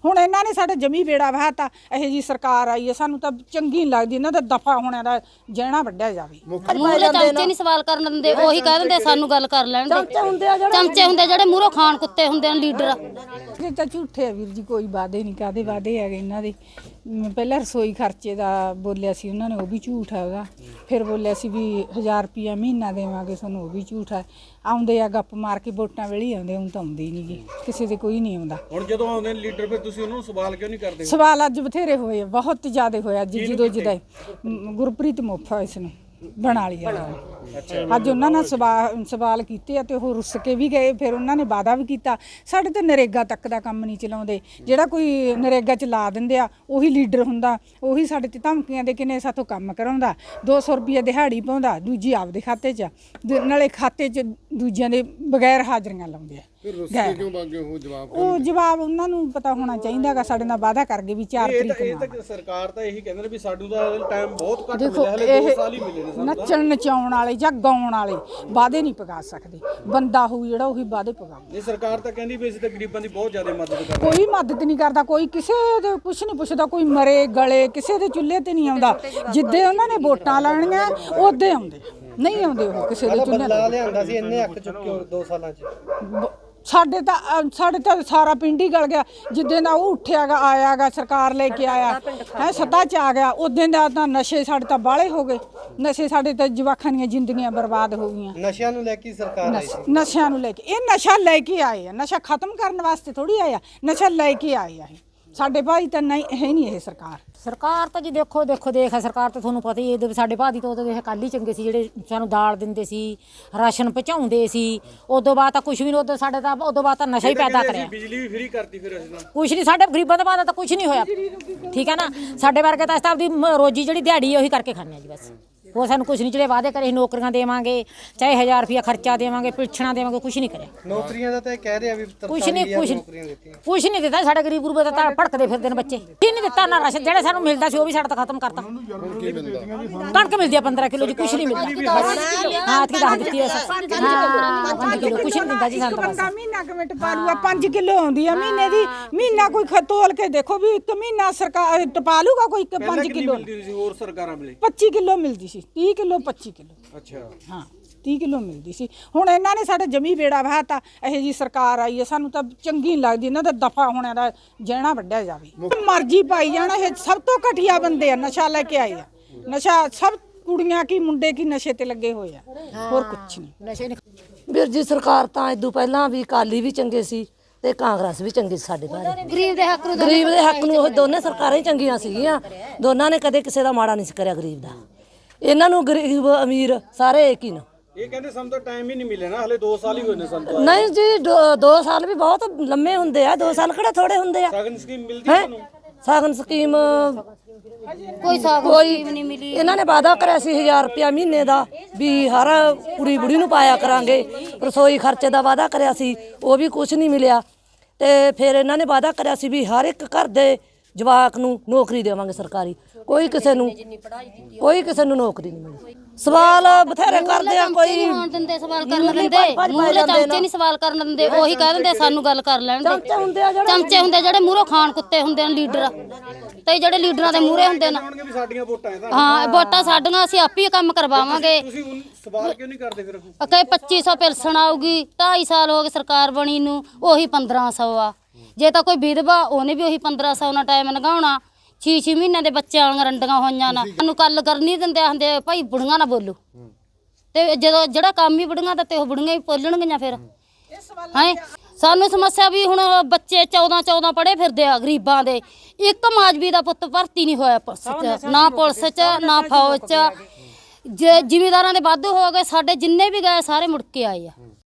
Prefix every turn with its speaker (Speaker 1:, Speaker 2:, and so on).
Speaker 1: ਹੁਣ ਇਹਨਾਂ ਨੇ ਸਾਡਾ ਜਮੀ ਬੇੜਾ ਵਹਾਤਾ। ਇਹੋ ਜੀ ਸਰਕਾਰ ਆਈ ਹੈ, ਸਾਨੂੰ ਤਾਂ ਚੰਗੀ ਨਹੀਂ ਲੱਗਦੀ। ਇਹਨਾਂ ਦਾ ਦਫਾ ਹੋਣਾ ਦਾ ਜਹਿਣਾ ਵੱਢਿਆ ਜਾਵੇ।
Speaker 2: ਮੂਹਰੇ ਚਮਚੇ ਨਹੀਂ ਸਵਾਲ ਕਰਨ ਦਿੰਦੇ, ਉਹੀ ਕਹਿ ਦਿੰਦੇ ਸਾਨੂੰ ਗੱਲ ਕਰ ਲੈਣ ਦੇ। ਚਮਚੇ ਹੁੰਦੇ ਜਿਹੜੇ ਮੂਹਰੋਂ ਖਾਣ ਕੁੱਤੇ ਹੁੰਦੇ ਨੇ ਲੀਡਰ।
Speaker 1: ਇਹ ਤਾਂ ਝੂਠੇ ਆ ਵੀਰ ਜੀ, ਕੋਈ ਵਾਅਦੇ ਨਹੀਂ। ਕਾਹਦੇ ਵਾਅਦੇ ਹੈਗੇ ਇਹਨਾਂ ਦੇ? ਪਹਿਲਾਂ ਰਸੋਈ ਖਰਚੇ ਦਾ ਬੋਲਿਆ ਸੀ ਉਹਨਾਂ ਨੇ, ਉਹ ਵੀ ਝੂਠ ਹੈਗਾ। ਫਿਰ ਬੋਲਿਆ ਸੀ ਵੀ 1000 ਰੁਪਇਆ ਮਹੀਨਾ ਦੇਵਾਂਗੇ ਤੁਹਾਨੂੰ, ਉਹ ਵੀ ਝੂਠ ਹੈ। ਆਉਂਦੇ ਆ ਗੱਪ ਮਾਰ ਕੇ, ਵੋਟਾਂ ਵੇਲੇ ਆਉਂਦੇ, ਹੁਣ ਤਾਂ ਆਉਂਦੇ ਹੀ ਨਹੀਂ ਗੇ, ਕਿਸੇ ਦੇ ਕੋਈ ਨਹੀਂ ਆਉਂਦਾ।
Speaker 3: ਹੁਣ ਜਦੋਂ ਆਉਂਦੇ ਨੇ ਲੀਡਰ, ਫਿਰ ਤੁਸੀਂ ਉਹਨਾਂ ਨੂੰ ਸਵਾਲ ਕਿਉਂ ਨਹੀਂ ਕਰਦੇ?
Speaker 1: ਸਵਾਲ ਅੱਜ ਬਥੇਰੇ ਹੋਏ, ਬਹੁਤ ਜ਼ਿਆਦਾ ਹੋਇਆ। ਜਦੋਂ ਗੁਰਪ੍ਰੀਤ ਮੋਫਾ ਇਸ ਨੂੰ ਬਣਾ ਲਿਆ ਅੱਜ ਉਹਨਾਂ ਨੇ ਸਵਾਲ ਕੀਤੇ ਤੇ ਉਹ ਰੁੱਸ ਕੇ ਵੀ ਗਏ। ਫਿਰ ਉਹਨਾਂ ਨੇ ਵਾਅਦਾ ਵੀ ਕੀਤਾ, ਸਾਡੇ ਤਾਂ ਨਰੇਗਾ ਤੱਕ ਦਾ ਕੰਮ ਨਹੀਂ ਚਲਾਉਂਦੇ। ਜਿਹੜਾ ਕੋਈ ਨਰੇਗਾ ਚ ਲਾ ਦਿੰਦੇ ਆ ਉਹੀ ਲੀਡਰ ਹੁੰਦਾ, ਉਹੀ ਸਾਡੇ ਤੇ ਧਮਕੀਆਂ ਦੇ ਕਿਨੇ ਸਾਥੋਂ ਕੰਮ ਕਰਾਉਂਦਾ। 200 ਰੁਪਏ ਦਿਹਾੜੀ ਪਾਉਂਦਾ, ਦੂਜੀ ਆਪਦੇ ਖਾਤੇ 'ਚ, ਨਾਲੇ ਖਾਤੇ 'ਚ ਦੂਜਿਆਂ ਦੇ ਬਗੈਰ ਹਾਜ਼ਰੀਆਂ ਲਾਉਂਦੇ ਆ। ਉਹ ਜਵਾਬ ਉਹਨਾਂ ਨੂੰ ਪਤਾ ਹੋਣਾ ਚਾਹੀਦਾ ਗਾ। ਸਾਡੇ ਨਾਲ ਵਾਅਦਾ ਕਰ ਗਏ ਵੀ 4 ਤਰੀਕ ਨੂੰ।
Speaker 3: ਇਹ ਤਾਂ ਸਰਕਾਰ ਤਾਂ ਇਹੀ ਕਹਿੰਦੇ ਨੇ ਵੀ ਸਾਨੂੰ ਤਾਂ ਟਾਈਮ ਬਹੁਤ ਘੱਟ ਮਿਲਿਆ, ਹਲੇ 2 ਸਾਲ ਹੀ ਮਿਲੇ ਨੇ ਸਾਨੂੰ।
Speaker 1: ਨੱਚਣ ਨਚਾਉਣ ਵਾਲੇ ਜਾਂ ਗਾਉਣ ਵਾਲੇ ਵਾਅਦੇ ਨਹੀਂ ਪਗਾ ਸਕਦੇ। ਬੰਦਾ ਹੋਊ ਜਿਹੜਾ ਉਹੀ ਵਾਅਦੇ ਪਗਾਊ।
Speaker 3: ਇਹ ਸਰਕਾਰ ਤਾਂ ਕਹਿੰਦੀ ਵੀ ਅਸੀਂ ਤਾਂ ਗਰੀਬਾਂ ਦੀ ਬਹੁਤ ਜ਼ਿਆਦਾ ਮਦਦ ਕਰਦੇ।
Speaker 1: ਕੋਈ ਮਦਦ ਨਹੀਂ ਕਰਦਾ, ਕੋਈ ਕਿਸੇ ਦੇ ਕੁਛ ਨਹੀਂ ਪੁੱਛਦਾ। ਕੋਈ ਮਰੇ ਗਲੇ ਕਿਸੇ ਦੇ ਚੁੱਲ੍ਹੇ ਤੇ ਨਹੀਂ ਆਉਂਦਾ। ਜਿੱਦੇ ਉਹਨਾਂ ਨੇ ਵੋਟਾਂ ਲੈਣੀਆਂ ਉਹਦੇ ਆਉਂਦੇ, ਨਹੀਂ ਆਉਂਦੇ ਉਹ ਕਿਸੇ ਦੇ ਚੁੱਲ੍ਹੇ ਤੇ।
Speaker 4: ਲਿਆਂਦਾ ਸੀ ਇੰਨੇ ਅੱਕ ਚੁੱਕੇ 2 ਸਾਲਾਂ 'ਚ।
Speaker 1: ਸਾਡੇ ਤਾਂ ਸਾਰਾ ਪਿੰਡ ਹੀ ਗਲ ਗਿਆ। ਜਿੱਦਾਂ ਦਾ ਉਹ ਉੱਠਿਆਗਾ ਆਇਆਗਾ, ਸਰਕਾਰ ਲੈ ਕੇ ਆਇਆ ਹੈ, ਸੱਤਾ 'ਚ ਆ ਗਿਆ, ਉਦੋਂ ਦਾ ਤਾਂ ਨਸ਼ੇ ਸਾਡੇ ਤਾਂ ਬਾਹਲੇ ਹੋ ਗਏ। ਨਸ਼ੇ ਸਾਡੇ ਤਾਂ ਜਵਾਕਾਂ ਦੀਆਂ ਜ਼ਿੰਦਗੀਆਂ ਬਰਬਾਦ ਹੋ ਗਈਆਂ।
Speaker 4: ਨਸ਼ਿਆਂ ਨੂੰ ਲੈ ਕੇ ਸਰਕਾਰ ਆਈ ਸੀ।
Speaker 1: ਨਸ਼ਿਆਂ ਨੂੰ ਲੈ ਕੇ, ਇਹ ਨਸ਼ਾ ਲੈ ਕੇ ਆਏ ਆ। ਨਸ਼ਾ ਖਤਮ ਕਰਨ ਵਾਸਤੇ ਥੋੜੀ ਆਇਆ, ਨਸ਼ਾ ਲੈ ਕੇ ਆਏ ਆ। ਸਾਡੇ ਭਾਈ ਤਾਂ ਨਹੀਂ ਹੈ ਨਹੀਂ ਇਹ
Speaker 2: ਸਰਕਾਰ ਤਾਂ ਜੀ ਦੇਖੋ ਦੇਖ ਹੈ ਸਰਕਾਰ ਤਾਂ ਤੁਹਾਨੂੰ ਪਤਾ ਹੀ ਹੈ। ਸਾਡੇ ਭਾਅ ਦੀ ਤਾਂ ਉਦੋਂ ਦੇਖ ਕੱਲ੍ਹ ਹੀ ਚੰਗੇ ਸੀ, ਜਿਹੜੇ ਸਾਨੂੰ ਦਾਲ ਦਿੰਦੇ ਸੀ, ਰਾਸ਼ਨ ਪਹੁੰਚਾਉਂਦੇ ਸੀ। ਉਦੋਂ ਬਾਅਦ ਤਾਂ ਕੁਛ ਵੀ ਨਹੀਂ। ਉਦੋਂ ਸਾਡੇ ਤਾਂ ਉਦੋਂ ਬਾਅਦ ਤਾਂ ਨਸ਼ਾ ਹੀ ਪੈਦਾ ਕਰਿਆ।
Speaker 3: ਬਿਜਲੀ ਵੀ ਫ੍ਰੀ ਕਰਤੀ ਫਿਰ ਅਸੀਂ ਤਾਂ।
Speaker 2: ਕੁਛ ਨਹੀਂ, ਸਾਡੇ ਗਰੀਬਾਂ ਦਾ ਬਾਅਦ ਤਾਂ ਕੁਛ ਨਹੀਂ ਹੋਇਆ। ਠੀਕ ਹੈ ਨਾ, ਸਾਡੇ ਵਰਗੇ ਤਾਂ ਅਸੀਂ ਤਾਂ ਆਪਦੀ ਰੋਜੀ ਜਿਹੜੀ ਦਿਹਾੜੀ ਉਹੀ ਕਰਕੇ ਖਾਂਦੇ ਆ ਜੀ ਬਸ। ਉਹ ਸਾਨੂੰ ਕੁਛ ਨਹੀਂ, ਜਿਹੜੇ ਵਾਅਦੇ ਕਰੇ ਨੌਕਰੀਆਂ ਦੇਵਾਂਗੇ, ਚਾਹੇ 1000 ਰੁਪਇਆ ਖਰਚਾ ਦੇਵਾਂਗੇ, ਪਿਲਛਣਾ ਦੇਵਾਂਗੇ, ਕੁਛ ਨਹੀਂ ਕਰਿਆ।
Speaker 4: ਨੌਕਰੀਆਂ ਦਾ ਤਾਂ ਇਹ ਕਹਿ ਰਿਹਾ ਵੀ
Speaker 2: ਕੁਛ ਨਹੀਂ ਦਿੱਤਾ। ਸਾਡੇ ਗਰੀਬ ਗੁਰਬੇ ਦਾ ਤਾਂ ਭੜਕਦੇ ਫਿਰਦੇ ਨੇ ਬੱਚੇ। ਕੀ ਨਹੀਂ ਦਿੱਤਾ ਨਾ ਰਾਸ਼ਨ, ਜਿਹੜਾ ਸਾਨੂੰ ਮਿਲਦਾ ਸੀ ਉਹ ਵੀ ਸਾਡਾ ਤਾਂ ਖਤਮ ਕਰਤਾ। ਕਣਕ ਮਿਲਦੀ ਆ 15 ਕਿਲੋ ਜੀ, ਕੁਛ ਨਹੀਂ ਮਿਲਦਾ। ਹਾਂ ਇਤਕੀ ਦੱਸ ਦਿੱਤੀ ਐ। ਹਾਂ 5 ਕਿਲੋ ਕੁਛ ਨਹੀਂ ਦਿੰਦਾ ਜੀ ਸਾਨੂੰ ਤਾਂ।
Speaker 1: ਬੰਦਾ ਮਹੀਨਾ ਕਮੇਟ ਪਾ ਲੂਗਾ, 5 ਕਿਲੋ ਆਉਂਦੀ ਆ ਮਹੀਨੇ ਦੀ। ਮਹੀਨਾ ਕੋਈ ਤੋਲ ਕੇ ਦੇਖੋ ਵੀ 1 ਮਹੀਨਾ ਸਰਕਾਰ ਟਪਾ ਲੂਗਾ ਕੋਈ 5 ਕਿਲੋ।
Speaker 3: ਮਿਲਦੀ ਸੀ ਹੋਰ ਸਰਕਾਰਾਂ ਵੇਲੇ
Speaker 1: 25 ਕਿਲੋ ਮਿਲਦੀ ਸੀ, 30 ਕਿਲੋ 25 ਕਿਲੋ।
Speaker 3: ਅੱਛਾ
Speaker 1: ਹਾਂ 30 ਕਿਲੋ ਮਿਲਦੀ ਸੀ। ਹੁਣ ਇਹਨਾਂ ਨੇ ਸਾਡਾ ਜਮੀ ਬੇੜਾ ਵਹਾਤਾ। ਇਹੋ ਜੀ ਸਰਕਾਰ ਆਈ ਹੈ, ਸਾਨੂੰ ਤਾਂ ਚੰਗੀ ਨਹੀਂ ਲੱਗਦੀ। ਇਹਨਾਂ ਦਾ ਦਫਾ ਹੋਣਾ ਦਾ ਜਹਿਣਾ ਵੱਢਿਆ ਜਾਵੇ। ਮਰਜ਼ੀ ਪਾਈ ਜਾਣਾ। ਇਹ ਸਭ ਤੋਂ ਘਟੀਆ ਬੰਦੇ ਆ, ਨਸ਼ਾ ਲੈ ਕੇ ਆਏ ਆ। ਨਸ਼ਾ ਸਭ ਕੁੜੀਆਂ ਕੀ ਮੁੰਡੇ ਕੀ ਨਸ਼ੇ ਤੇ ਲੱਗੇ ਹੋਏ ਆ, ਹੋਰ ਕੁਛ ਨਹੀਂ।
Speaker 2: ਨਸ਼ੇ ਨਹੀਂ
Speaker 5: ਵੀਰ ਜੀ ਸਰਕਾਰ ਤਾਂ ਇਦੋਂ ਪਹਿਲਾਂ ਵੀ ਅਕਾਲੀ ਵੀ ਚੰਗੇ ਸੀ ਤੇ ਕਾਂਗਰਸ ਵੀ ਚੰਗੀ ਸੀ। ਸਾਡੇ ਬਾਰੇ
Speaker 2: ਗਰੀਬ ਦੇ ਹੱਕ
Speaker 5: ਨੂੰ ਉਹ ਦੋਨੇ ਸਰਕਾਰਾਂ ਹੀ ਚੰਗੀਆਂ ਸੀਗੀਆਂ। ਦੋਨਾਂ ਨੇ ਕਦੇ ਕਿਸੇ ਦਾ ਮਾੜਾ ਨਹੀਂ ਕਰਿਆ ਗਰੀਬ ਦਾ। ਇਹਨਾਂ ਨੂੰ ਗਰੀਬ ਅਮੀਰ ਸਾਰੇ ਇੱਕ ਹੀ ਨੇ।
Speaker 3: ਇਹ ਕਹਿੰਦੇ ਸਾਨੂੰ ਤਾਂ ਟਾਈਮ ਹੀ ਨਹੀਂ ਮਿਲਿਆ ਨਾ, ਹਲੇ 2 ਸਾਲ ਹੀ ਹੋਏ ਨੇ ਸਾਨੂੰ।
Speaker 5: ਨਹੀਂ ਜੀ 2 ਸਾਲ ਵੀ ਬਹੁਤ ਲੰਮੇ ਹੁੰਦੇ ਆ। 2 ਸਾਲ ਕਿਹੜਾ ਥੋੜੇ ਹੁੰਦੇ ਆ।
Speaker 3: ਸ਼ਗਨ ਸਕੀਮ ਮਿਲਦੀ ਤੁਹਾਨੂੰ?
Speaker 5: ਸ਼ਗਨ ਸਕੀਮ
Speaker 2: ਕੋਈ ਸਕੀਮ ਨਹੀਂ ਮਿਲੀ।
Speaker 5: ਇਹਨਾਂ ਨੇ ਵਾਅਦਾ ਕਰਿਆ ਸੀ 1000 ਰੁਪਇਆ ਮਹੀਨੇ ਦਾ, ਵੀ ਹਰ ਕੁੜੀ ਬੁੜੀ ਨੂੰ ਪਾਇਆ ਕਰਾਂਗੇ। ਰਸੋਈ ਖਰਚੇ ਦਾ ਵਾਅਦਾ ਕਰਿਆ ਸੀ, ਉਹ ਵੀ ਕੁਝ ਨਹੀਂ ਮਿਲਿਆ। ਤੇ ਫਿਰ ਇਹਨਾਂ ਨੇ ਵਾਅਦਾ ਕਰਿਆ ਸੀ ਵੀ ਹਰ ਇੱਕ ਘਰ ਦੇ ਜਵਾਕ ਨੂੰ ਨੌਕਰੀ ਦੇਵਾਂਗੇ ਸਰਕਾਰੀ। ਕੋਈ ਕਿਸੇ ਨੂੰ ਨੌਕਰੀ ਨਹੀਂ ਮਿਲੀ। ਸਵਾਲ ਬਥੇਰੇ ਕਰਦੇ ਆ, ਕੋਈ
Speaker 2: ਦਿੰਦੇ ਸਵਾਲ ਕਰਨ ਦਿੰਦੇ, ਮੂਹਰੇ ਚਮਚੇ ਨਹੀਂ ਸਵਾਲ ਕਰਨ ਦਿੰਦੇ, ਉਹੀ ਕਹਿ ਦਿੰਦੇ ਸਾਨੂੰ ਗੱਲ ਕਰ ਲੈਣ ਦੇ। ਚਮਚੇ ਹੁੰਦੇ ਜਿਹੜੇ ਮੂਹਰੋਂ ਖਾਣ ਕੁੱਤੇ ਹੁੰਦੇ ਨੇ ਲੀਡਰ, ਤੇ ਜਿਹੜੇ ਲੀਡਰਾਂ ਦੇ ਮੂਹਰੇ ਹੁੰਦੇ ਨੇ।
Speaker 3: ਵੀ ਸਾਡੀਆਂ ਵੋਟਾਂ ਹੈ ਤਾਂ।
Speaker 2: ਹਾਂ ਵੋਟਾਂ ਸਾਡੀਆਂ, ਅਸੀਂ ਆਪੇ ਕੰਮ ਕਰਵਾਵਾਂਗੇ।
Speaker 3: ਤੁਸੀਂ ਸਵਾਲ ਕਿਉਂ ਨਹੀਂ ਕਰਦੇ ਫਿਰ?
Speaker 2: ਕਹੇ 2500 ਪਿਲਸਣ ਆਊਗੀ, 2.5 ਸਾਲ ਹੋ ਗਏ ਸਰਕਾਰ ਬਣੀ ਨੂੰ, ਉਹੀ 1500 ਆ। ਜੇ ਤਾਂ ਕੋਈ ਵਿਧਵਾ ਉਹਨੇ ਵੀ ਉਹੀ 1500 ਨਾਲ ਟਾਈਮ ਲੰਘਾਉਣਾ। 6 ਮਹੀਨਿਆਂ ਦੇ ਬੱਚਿਆਂ ਵਾਲੀਆਂ ਰੰਡੀਆਂ ਹੋਈਆਂ ਨਾ। ਸਾਨੂੰ ਕੱਲ ਕਰਨੀ ਦਿੰਦੇ ਹੁੰਦੇ ਭਾਈ ਬੁੜੀਆਂ ਨਾ ਬੋਲੋ। ਤੇ ਜਦੋਂ ਜਿਹੜਾ ਕੰਮ ਹੀ ਬੁੜੀਆਂ ਦਾ ਤੇ ਉਹ ਬੁੜੀਆਂ ਹੀ ਬੋਲਣਗੀਆਂ ਫਿਰ। ਹੈ ਸਾਨੂੰ ਸਮੱਸਿਆ ਵੀ ਹੁਣ ਬੱਚੇ 14 ਪੜ੍ਹੇ ਫਿਰਦੇ ਆ ਗਰੀਬਾਂ ਦੇ। ਇੱਕ ਮਾਜਵੀ ਦਾ ਪੁੱਤ ਭਰਤੀ ਨਹੀਂ ਹੋਇਆ ਪੁਲਿਸ 'ਚ, ਨਾ ਪੁਲਿਸ 'ਚ ਨਾ ਫੌਜ 'ਚ। ਜ਼ਿਮੀਦਾਰਾਂ ਦੇ ਵਾਧੂ ਹੋ ਗਏ, ਸਾਡੇ ਜਿੰਨੇ ਵੀ ਗਏ ਸਾਰੇ ਮੁੜ ਕੇ ਆਏ ਆ।